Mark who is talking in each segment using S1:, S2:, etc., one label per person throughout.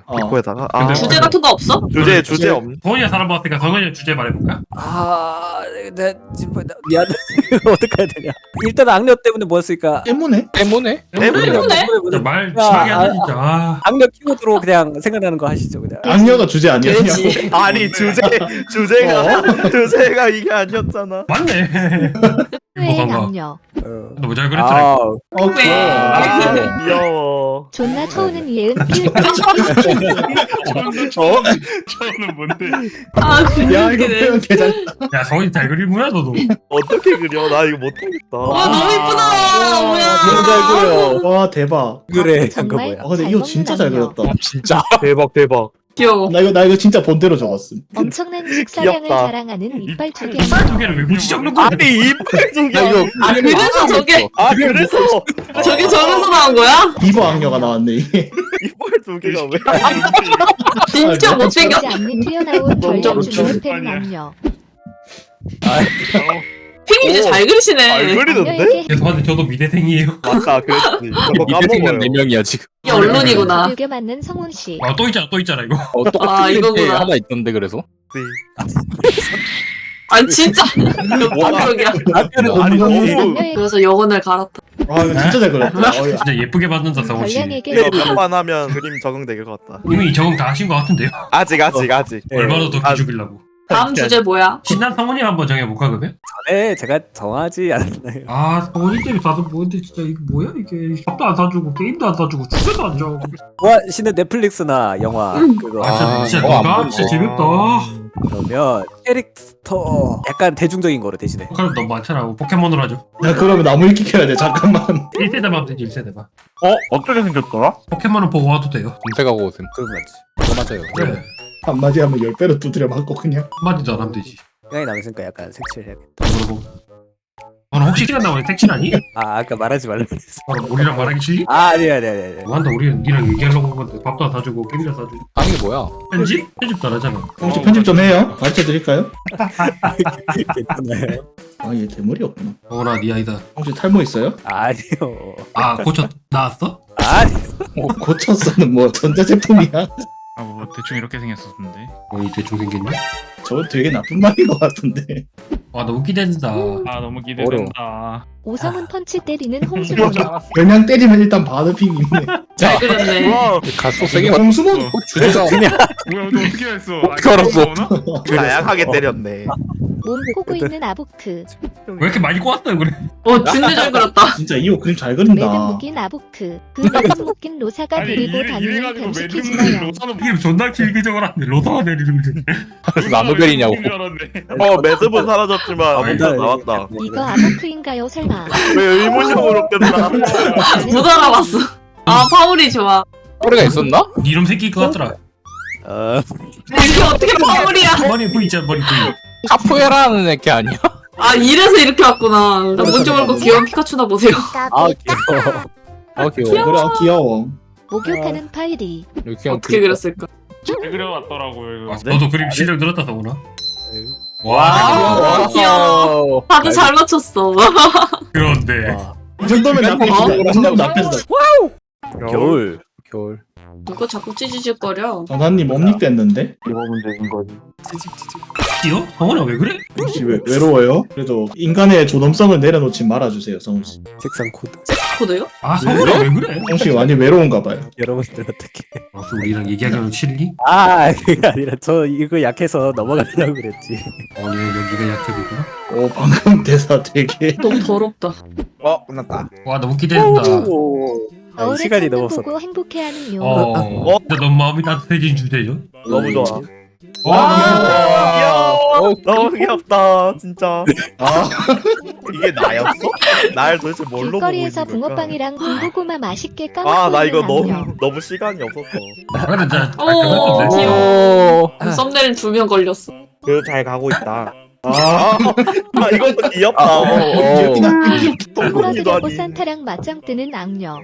S1: 코에다가
S2: 근데
S3: 주제 같은 거 없어?
S1: 주제 없.
S2: 성훈이가 사람 봤으니까 성훈이 주제 말해볼까?
S4: 내 미안. 어떻게 해야 되냐? 일단 악녀 때문에 뭐였을까?
S5: 때문에?
S3: 때문에?
S2: 진짜 말 심하게 한다 진짜. 아.
S4: 악녀 키워드로 그냥 생각나는 거 하시죠 그냥.
S5: 악녀가 주제 아니었냐?
S3: 돼지.
S1: 아니 주제가 이게 아니었잖아.
S2: 맞네.
S6: 후회의 악녀.
S2: 너무 잘 그랬더라.
S3: 왜?
S1: 귀여워.
S6: 존나 초우는 이해은 피읍.
S2: 저는 뭔데?
S3: 아
S5: 야 이거
S3: 웃기네.
S5: 표현 개잘.
S2: 야 성훈이 잘 그리구나 너도.
S1: 어떻게 그려? 나 이거 못하겠다.
S3: 와 너무 이쁘다. 뭐야?
S4: 너무 잘 그려.
S5: 와 대박.
S4: 그래 잠깐
S6: 정말
S4: 뭐야?
S5: 아 근데 이거 진짜 잘 그렸다.
S1: 진짜 대박.
S3: 귀여워.
S5: 나 이거 진짜 본대로 적었음.
S6: 엄청난 식사량을
S1: 귀엽다.
S6: 자랑하는 이빨 두 개.
S2: 두 개를 왜 굳이 적는 거야?
S1: 아니 이빨 두개.
S3: 아 그래서 저게
S1: 그래서
S3: 저게 저기서 나온 거야?
S5: 비버 악녀가 나왔네 이게.
S1: 이빨 두 개가 왜?
S3: 진짜 못생겼.
S6: 보지 않는 튀어나온 전력 주는 팬 악녀.
S3: 핑이 이제 잘 그리시네.
S1: 잘 그리는데?
S6: 악녀에게
S2: 죄송한데 저도 미대생이에요.
S1: 맞다 그랬지. 저거 까먹어요.
S7: 4명이야 지금.
S3: 이게 언론이구나.
S6: 두개 맞는 성훈 씨.
S2: 아 또 있잖아 이거.
S3: 아,
S7: 똑같은
S3: 이거구나.
S7: 게 하나 있던데 그래서.
S3: 아니 진짜 완벽이야.
S1: 아니 너무
S6: 악녀에게
S3: 그래서 영혼을 갈았다.
S5: 아 이거 진짜 잘 그렸다. 어, 야.
S2: 진짜 예쁘게 받는다 성훈 씨.
S6: 걸량에게
S1: 이거 몇 번 하면 그림 적응될 것 같다.
S2: 이미 적응 다 하신 것 같은데요?
S1: 아직.
S2: 얼마나 더 기죽이려고.
S3: 다음 주제 뭐야?
S2: 신난 성훈이 한번 정해볼까 그러면?
S4: 네 제가 정하지 않았나요?
S2: 아 성훈이 때문에 다들 뭐인데 진짜 이게 뭐야 이게 밥도 안 사주고 게임도 안 사주고 주제도 안 정하고.
S4: 와 신의 넷플릭스나 영화 그거.
S2: 진짜
S7: 안
S2: 누가?
S7: 보고.
S2: 진짜 재밌다.
S4: 그러면 캐릭터 약간 대중적인 거로 대신에.
S2: 그럼 너무 많잖아. 포켓몬으로 하죠.
S5: 야 그러면 나무 읽기 해야 돼. 잠깐만.
S2: 1세대만 하면 되지 1세대만.
S1: 어떻게 생겼더라?
S2: 포켓몬은 보고 와도 돼요.
S7: 검색하고 오셈.
S4: 그런 거지.
S7: 그거 맞아요.
S2: 그래.
S5: 한마디 하면 10배로 두드려 맞고 그냥.
S2: 한마디도 안 하면 되지.
S4: 시간이 남았으니까 약간 색칠해야겠다.
S2: 물어보고. 너는 혹시 시간 나면 택신 아니?
S4: 아 아까 말하지 말라 그랬어.
S2: 바로 우리랑 말하기 싫니?
S4: 아 아니야.
S2: 뭐한다 우리는 니랑 얘기하려고 한 건데 밥도 안 사주고 게임도 안 사주고.
S7: 아니 이게 뭐야?
S2: 편집? 편집도 안 하잖아.
S5: 혹시 편집 좀 해요? 가르쳐 드릴까요?
S4: 괜찮아요.
S5: 아 얘 대머리였구나.
S2: 어나 니 아이다.
S5: 혹시 탈모 있어요?
S4: 아니요.
S2: 아 고쳐 나왔어?
S4: 아니.
S5: 고쳤어는 뭐 전자제품이야?
S8: 아 뭐 대충 이렇게 생겼었는데.
S2: 이 대충 생겼네.
S5: 저거 되게 나쁜 말인 것 같은데.
S2: 와 너무 기대된다.
S8: 아 너무 기대된다.
S6: 오성훈 펀치 때리는 홍수범.
S5: 그냥 때리면 일단 바드핑 있네.
S3: 잘 그렸네.
S7: 가속 세게 맞.
S5: 홍수몬
S7: 주제가
S8: 뭐야 너 어떻게 했어?
S7: 어떻게 알았어?
S1: 다양하게 때렸네.
S6: 몸 포고 있는 아보크.
S2: 왜 이렇게 많이 꼬았어요 그래?
S3: 진짜 잘 그렸다.
S5: 진짜 이호 그림 잘
S6: 매듭
S5: 그린다.
S6: 묶인 아보크. 그 매듭 묶인 로사가 데리고 다니는 뱀시키지나요.
S8: 로사는
S2: 이름 존나 길게 적어놨네. 로다가 내리는 거.
S7: 나노벨이냐고.
S1: 매듭은 사라졌지만
S4: 먼저
S1: 나왔다.
S6: 이거 아보크인가요 설마?
S1: 왜 의문형으로 끝나?
S3: 못 알아봤어. 아 파울이 좋아.
S7: 꼬리가 있었나?
S2: 니 이름 새끼일 것 같더라.
S3: 이게 어떻게 파울이야?
S2: 머리 V 있잖아 머리 V.
S7: 카푸에라는 애게 아니야?
S3: 아 이래서 이렇게 왔구나. 나 뭔지 모르고 귀여운 피카츄나 보세요.
S4: 아 귀여워.
S7: 아 귀여워.
S5: 그래 아, 귀여워.
S6: 목욕하는 파이리.
S7: 이렇게 그냥
S3: 어떻게 그렸을까?
S8: 잘 그려놨더라고요 이거.
S2: 아, 너도 그림 실력 늘었다 성훈아.
S3: 와 귀여워. 다들 잘 맞췄어.
S2: 그런데
S5: 이 정도면 나쁘다. 이 정도면 나쁘다.
S4: 겨울.
S7: 겨울.
S3: 누가 자꾸 찌지직거려?
S5: 전화님 옴닉됐는데?
S2: 뛰어? 성훈아 왜 그래?
S5: 혹시 외로워요? 그래도 인간의 존엄성을 내려놓지 말아주세요, 성우씨.
S4: 색상 코드.
S3: 코드요?
S2: 아 성훈아 왜 그래?
S5: 성우씨 많이 외로운가 봐요.
S4: 여러분들 어떻게?
S2: 혹시 우리랑 얘기하기는 싫니?
S4: 아 그게 아니라 저 이거 약해서 넘어가려고 그랬지.
S2: 오늘 여기가 약해보구나.
S5: 오 방금 대사 되게
S3: 너무 더럽다.
S1: 끝났다.
S2: 와 너무 기대된다.
S6: 겨울에
S4: 시간이
S6: 창문
S4: 넘었어.
S6: 보고 행복해하는 용.
S2: 진짜 너무 마음이 따뜻해진 주제죠?
S1: 너무 좋아.
S2: 와.
S1: 귀여워. 너무 귀엽다 진짜.
S5: 아
S1: 이게 나였어? 날 도대체 뭘로 보고 있는
S6: 길거리에서
S1: 걸까?
S6: 붕어빵이랑 군고구마 맛있게 까먹고
S1: 아 나 이거
S6: 있는 악녀.
S1: 너무 시간이 없었어.
S2: 근데 진짜
S3: 오
S2: 깔끔했던데.
S3: 귀여워. 썸네일 2명 걸렸어.
S1: 그래도 잘 가고 있다.
S5: 아,
S1: 이것도 귀엽다.
S5: 귀엽긴 하네.
S1: 똥꼬기도
S6: 풀어주려고
S1: 아니.
S6: 산타랑 맞짱 뜨는 악녀.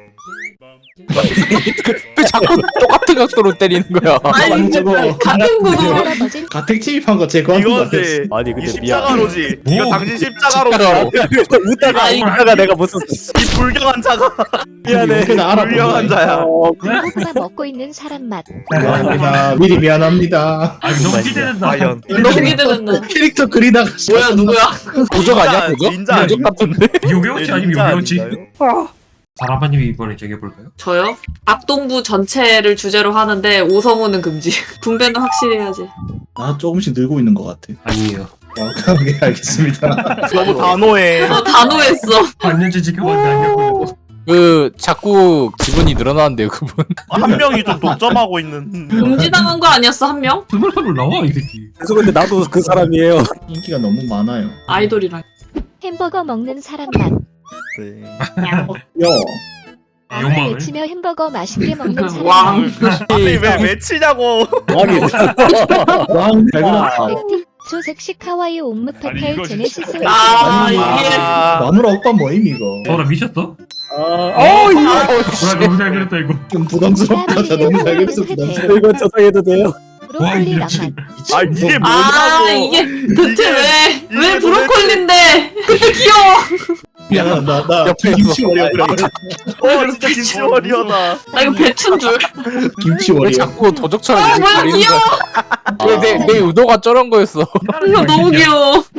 S7: 왜 자꾸 똑같은 각도로 때리는 거야?
S3: 아니
S5: 저거
S3: 같은 구도
S6: 할아버진
S5: 가택 침입한 거 제거 같은 거 같았어.
S1: 이거지.
S4: 아니
S1: 이
S4: 근데 미안.
S1: 십자가로지.
S2: 뭐?
S1: 이거 당신 십자가로지.
S7: 십자가로.
S4: 웃다가 웃다가 내가 못 썼어.
S1: 이 불경한 자가.
S4: 미안해.
S5: 그나 알아본
S1: 불경한
S5: 거야.
S1: 자야.
S6: 고구마 먹고 있는 사람 맛.
S5: 미안합니다. 미리 미안합니다.
S2: 아 너무 기대된다.
S1: 과연.
S3: 너무 기대된다.
S5: 캐릭터 그리다가
S3: 뭐야 누구야?
S7: 도적 아니야 도적?
S1: 닌자
S7: 도적 같은데?
S2: 요배우치 아니면
S1: 닌자
S2: 요배우치?
S1: 아닌가요?
S2: 사람아님이 이번에 정해볼까요?
S3: 저요? 악동부 전체를 주제로 하는데 오성우는 금지. 분배는 확실히 해야지.
S5: 나 조금씩 늘고 있는 것 같아.
S2: 아니에요.
S5: 네, 알겠습니다.
S1: 너무 단호해.
S3: 단호했어.
S2: 반년째 지켜봤는데 아니었거든.
S7: 그 자꾸 지분이 늘어나는데요 그분.
S1: 한 명이 좀 독점하고 있는.
S3: 금지당한 거 아니었어 한 명?
S2: 스물하늘 나와 이 새끼.
S4: 그래서 근데 나도 그 사람이에요.
S5: 인기가 너무 많아요.
S3: 아이돌이랑.
S6: 햄버거 먹는 사람 맛.
S1: 네.
S5: 야,
S2: 욕망을.
S6: 외치며 햄버거 맛있게 먹는 사람
S3: 왕.
S6: 맛.
S1: 아니 왜 치냐고.
S5: 왕이 왕 달그나.
S6: 액틱 초색식 하와이 옴므
S8: 아니,
S6: 페펠
S8: 이거
S6: 제네시스
S8: 진짜-
S3: 아
S5: 아니,
S3: 이게
S5: 마누라 오빠 뭐임 이거?
S2: 저라 미쳤어?
S7: 어 이거.
S2: 와 너무 잘 그렸다 이거.
S5: 좀 부담스럽다. 저 너무 잘 그래서 부담스러워.
S4: 이거 저장해도 돼요?
S2: 와
S6: 브로콜리
S2: 이게
S6: 낭만.
S2: 지금.
S1: 아 이게
S3: 아
S1: 뭐냐고.
S3: 이게 대체
S1: 이게
S3: 왜 브로콜리인데 근데 귀여워.
S5: 야, 나
S7: 옆에
S5: 김치 워리어 그래.
S1: 진짜 김치월이어다.
S3: 나 이거 배춘 줄.
S5: 김치
S7: 왜
S5: 워리어.
S7: 자꾸 도적처럼
S3: 아
S7: 이렇게
S3: 뭐야
S7: 그리는
S3: 귀여워.
S7: 거야? 내 의도가 저런 거였어.
S3: 이거 너무 귀여워.